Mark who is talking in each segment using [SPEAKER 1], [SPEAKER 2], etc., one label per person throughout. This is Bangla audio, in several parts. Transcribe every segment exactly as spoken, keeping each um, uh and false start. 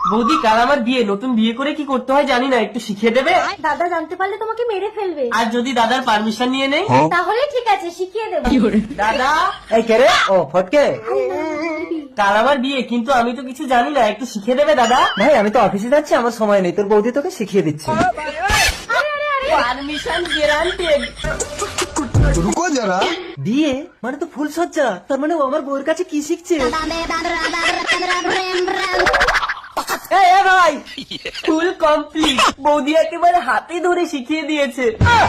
[SPEAKER 1] বৌদি কাল আমার বিয়ে, নতুন বিয়ে করে কি করতে হয় জানি না, একটু শিখিয়ে দেবে?
[SPEAKER 2] দাদা জানতে পারলে তোমাকে মেরে ফেলবে।
[SPEAKER 1] আর যদি দাদার পারমিশন নিয়ে নেই?
[SPEAKER 2] তাহলে ঠিক আছে, শিখিয়ে দেবো।
[SPEAKER 1] দাদা
[SPEAKER 3] এই কে রে? ও ফটকে,
[SPEAKER 1] কাল আমার বিয়ে, কিন্তু আমি তো কিছু জানি না, একটু শিখিয়ে দেবে দাদা?
[SPEAKER 3] ভাই আমি তো অফিসে যাচ্ছি, আমার সময় নেই, তোর বৌদি তোকে শিখিয়ে দিচ্ছে।
[SPEAKER 1] Permission guaranteed.
[SPEAKER 4] रुको जरा।
[SPEAKER 3] বিয়ে মানে তো ফুল সজ্জা, তার মানে ও আমার বউয়ের কাছে কি শিখছে?
[SPEAKER 1] এই এ ভাই, ফুল কমপ্লিট, বৌদি একেবারে হাতে ধরে শিখিয়ে দিয়েছে।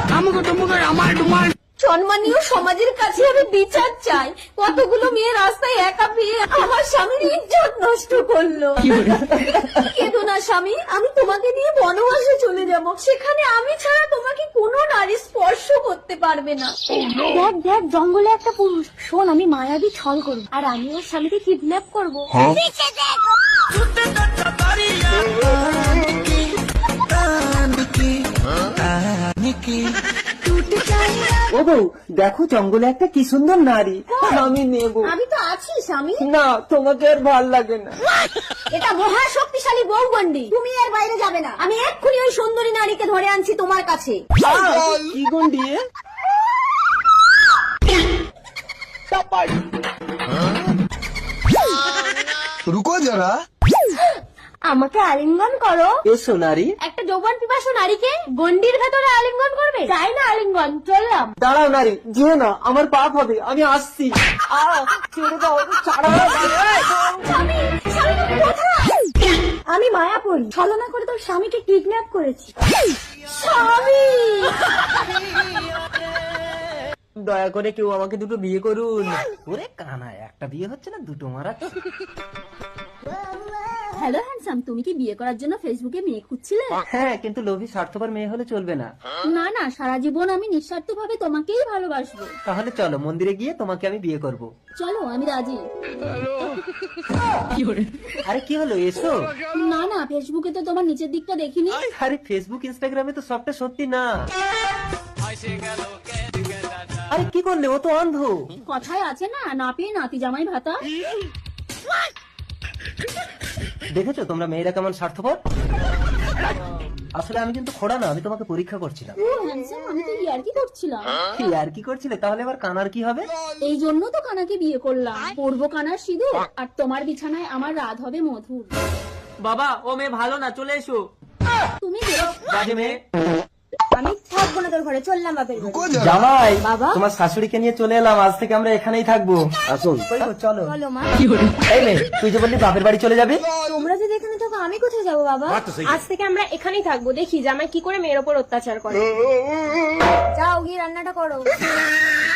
[SPEAKER 2] সম্মানীয় সমাজের কাছে আমি বিচার চাই। কতগুলো মেয়ে রাস্তায় একা পেয়ে আমার স্বামীর ইজ্জত নষ্ট করলো। কেঁদো না স্বামী, আমি তোমাকে নিয়ে বনবাসে চলে যাব, সেখানে আমি ছাড়া তোমাকে কোনো নারী স্পর্শ করতে পারবে না। দেখ দেখ, জঙ্গলে একটা পুরুষ। শোন, আমি মায়াবী ছল করব, আর আমি ওর স্বামীকে কিডন্যাপ করবো।
[SPEAKER 3] ও বউ দেখো, জঙ্গলে একটা কি সুন্দর নারী, আমি নেব।
[SPEAKER 2] আমি তো আছি স্বামী।
[SPEAKER 3] না, তোমাকে আর ভাল লাগে না।
[SPEAKER 2] এটা মহা শক্তিশালী বউগন্ডি, তুমি এর বাইরে যাবে না। আমি এক্ষুনি ওই সুন্দরী নারীকে ধরে আনছি তোমার কাছে।
[SPEAKER 3] কি গন্ডি?
[SPEAKER 4] रुको जरा।
[SPEAKER 2] আমাকে আলিঙ্গন করো।
[SPEAKER 3] এসো নারী।
[SPEAKER 2] একটা যৌবন পিপাসু নারীকে গন্ডির ভেতরে আলিঙ্গন করবে? চাই না আলিঙ্গন, চললাম।
[SPEAKER 3] দাঁড়াও নারী, যেও না, আমার পাপ হবে, আমি আসছি। আহ, ছেড়ে দাও, ছাড়ো।
[SPEAKER 2] স্বামী, স্বামী তুমি কোথায়? আমি মায়াপুরী, ছলনা করে তোর স্বামীকে কিডন্যাপ করেছি। স্বামী,
[SPEAKER 3] দয়া করে কেউ আমাকে দুটো বিয়ে করুন। ওরে কানা, একটা বিয়ে হচ্ছে না, দুটো মারা।
[SPEAKER 2] হ্যালো হ্যান্ডসাম, তুমি কি বিয়ে করার জন্য ফেসবুকে মেয়ে খুঁজছিলে?
[SPEAKER 3] হ্যাঁ, কিন্তু লোভী স্বার্থপর মেয়ে হলে চলবে না।
[SPEAKER 2] না না, সারা জীবন আমি নিঃস্বার্থ ভাবে তোমাকেই ভালোবাসবো।
[SPEAKER 3] তাহলে চলো মন্দিরে গিয়ে তোমাকে আমি বিয়ে করব।
[SPEAKER 2] চলো, আমি রাজি।
[SPEAKER 3] আরে কি হলো, এসো।
[SPEAKER 2] না না, ফেসবুকে তো তোমার নিচের দিকটা দেখিনি।
[SPEAKER 3] আরে ফেসবুক ইনস্টাগ্রামে তো সবটা সত্যি না। আরে কি করলে, ও তো অন্ধ।
[SPEAKER 2] কথায় আছে না, না পেয়ে নাতি জামাই ভাতা।
[SPEAKER 3] দেখেছো তোমরা মেয়েরা কেমন স্বার্থপর। আসলে আমি কিন্তু খোড়া না, আমি তোমাকে পরীক্ষা করছিলাম।
[SPEAKER 2] ও হ্যান্ডসাম, আমি তো ইয়ার্কি করছিলাম।
[SPEAKER 3] কি আর কি করছিলে? তাহলে আবার কানার কি হবে?
[SPEAKER 2] এই জন্য তো কানাকে বিয়ে করলাম, পরবো কানার সিঁদুর, আর তোমার বিছানায় আমার রাত হবে মধুর।
[SPEAKER 1] বাবা, ও মেয়ে ভালো না, চলে এসো।
[SPEAKER 2] তুমি বেরো।
[SPEAKER 1] বাজে মেয়ে।
[SPEAKER 2] আমি থাকবো না তোর ঘরে, চললাম বাপের ঘরে।
[SPEAKER 4] रुको जरा।
[SPEAKER 3] জামাই,
[SPEAKER 2] বাবা।
[SPEAKER 3] তোমার শাশুড়িকে নিয়ে চলে এলাম, আজ থেকে আমরা এখানেই থাকবো। আসুন। চলো।
[SPEAKER 2] চলো মা।
[SPEAKER 3] এই মেয়ে, তুই যে বললি বাপের বাড়ি চলে যাবি।
[SPEAKER 2] তোমরা যদি এখানে থাকো, আমি কোথায় যাবো বাবা?
[SPEAKER 5] আজ থেকে আমরা এখানেই থাকবো, দেখি জামাই কি করে মেয়ের ওপর অত্যাচার করে।
[SPEAKER 2] যাও গিয়ে রান্নাটা করো।